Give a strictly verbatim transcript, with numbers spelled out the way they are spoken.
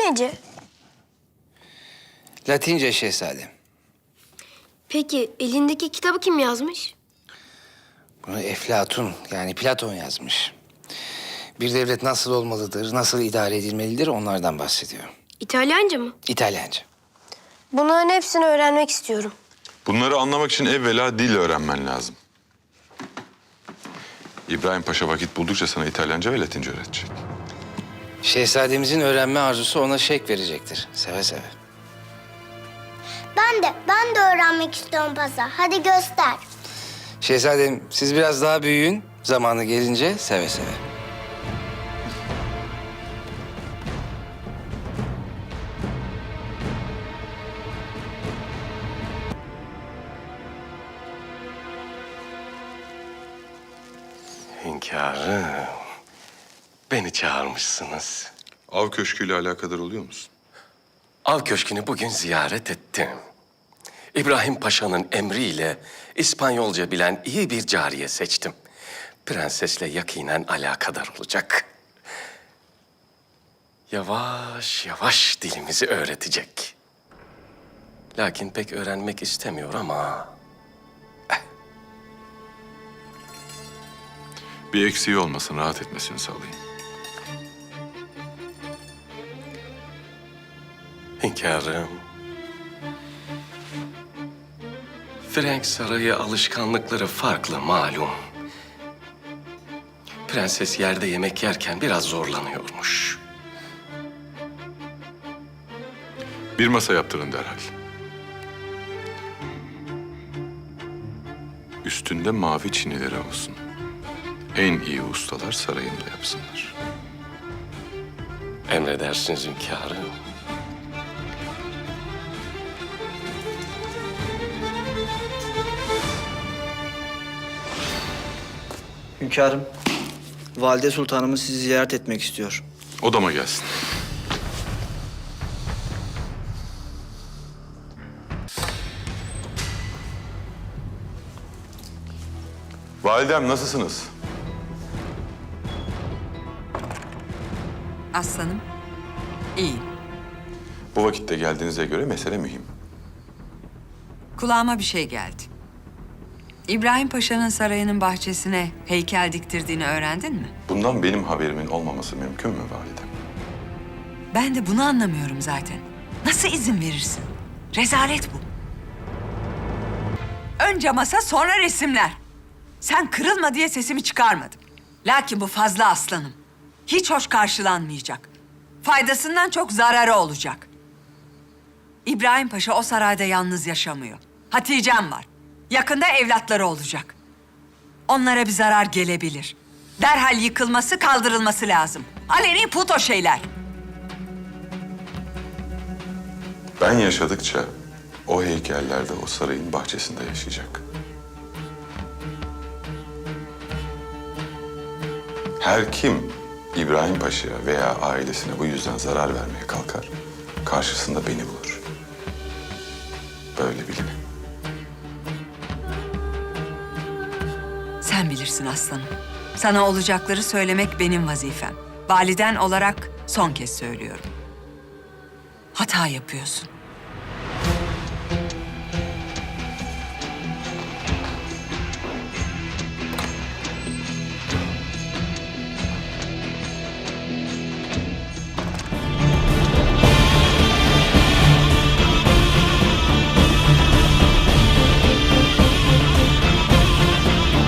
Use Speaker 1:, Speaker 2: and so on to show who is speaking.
Speaker 1: nece?
Speaker 2: Latince şehzadem.
Speaker 1: Peki elindeki kitabı kim yazmış?
Speaker 2: Bunu Eflatun yani Platon yazmış. Bir devlet nasıl olmalıdır, nasıl idare edilmelidir onlardan bahsediyor.
Speaker 1: İtalyanca mı?
Speaker 2: İtalyanca.
Speaker 1: Bunların hepsini öğrenmek istiyorum.
Speaker 3: Bunları anlamak için evvela dil öğrenmen lazım. İbrahim Paşa vakit buldukça sana İtalyanca ve Latince öğretecek.
Speaker 2: Şehzademizin öğrenme arzusu ona şevk verecektir. Seve seve.
Speaker 4: Ben de, ben de öğrenmek istiyorum Pasa. Hadi göster.
Speaker 2: Şehzadem siz biraz daha büyüyün. Zamanı gelince seve seve.
Speaker 5: Hünkârım, beni çağırmışsınız.
Speaker 3: Av köşküyle alakadar oluyor musun?
Speaker 5: Av Köşkü'nü bugün ziyaret ettim. İbrahim Paşa'nın emriyle İspanyolca bilen iyi bir cariye seçtim. Prensesle yakinen alakadar olacak. Yavaş yavaş dilimizi öğretecek. Lakin pek öğrenmek istemiyor ama...
Speaker 3: Bir eksiği olmasın, rahat etmesini sağlayın.
Speaker 5: Hünkârım, Frank Sarayı alışkanlıkları farklı malum. Prenses yerde yemek yerken biraz zorlanıyormuş.
Speaker 3: Bir masa yaptırın derhal. Üstünde mavi çinileri olsun. En iyi ustalar sarayımda yapsınlar.
Speaker 5: Emredersiniz hünkârım.
Speaker 6: Hünkârım, Valide Sultanımız sizi ziyaret etmek istiyor.
Speaker 3: Odama gelsin. Validem nasılsınız?
Speaker 7: Aslanım, iyiyim.
Speaker 3: Bu vakitte geldiğinize göre mesele mühim.
Speaker 7: Kulağıma bir şey geldi. İbrahim Paşa'nın sarayının bahçesine heykel diktirdiğini öğrendin mi?
Speaker 3: Bundan benim haberimin olmaması mümkün mü validem?
Speaker 7: Ben de bunu anlamıyorum zaten. Nasıl izin verirsin? Rezalet bu. Önce masa, sonra resimler. Sen kırılma diye sesimi çıkarmadım. Lakin bu fazla aslanım. Hiç hoş karşılanmayacak. Faydasından çok zararı olacak. İbrahim Paşa o sarayda yalnız yaşamıyor. Hatice'm var. Yakında evlatları olacak. Onlara bir zarar gelebilir. Derhal yıkılması, kaldırılması lazım. Aleni put o şeyler.
Speaker 3: Ben yaşadıkça o heykeller de o sarayın bahçesinde yaşayacak. Her kim İbrahim Paşa'ya veya ailesine bu yüzden zarar vermeye kalkar, karşısında beni bulur. Böyle bilin.
Speaker 7: Sen bilirsin aslanım. Sana olacakları söylemek benim vazifem. Validen olarak son kez söylüyorum. Hata yapıyorsun.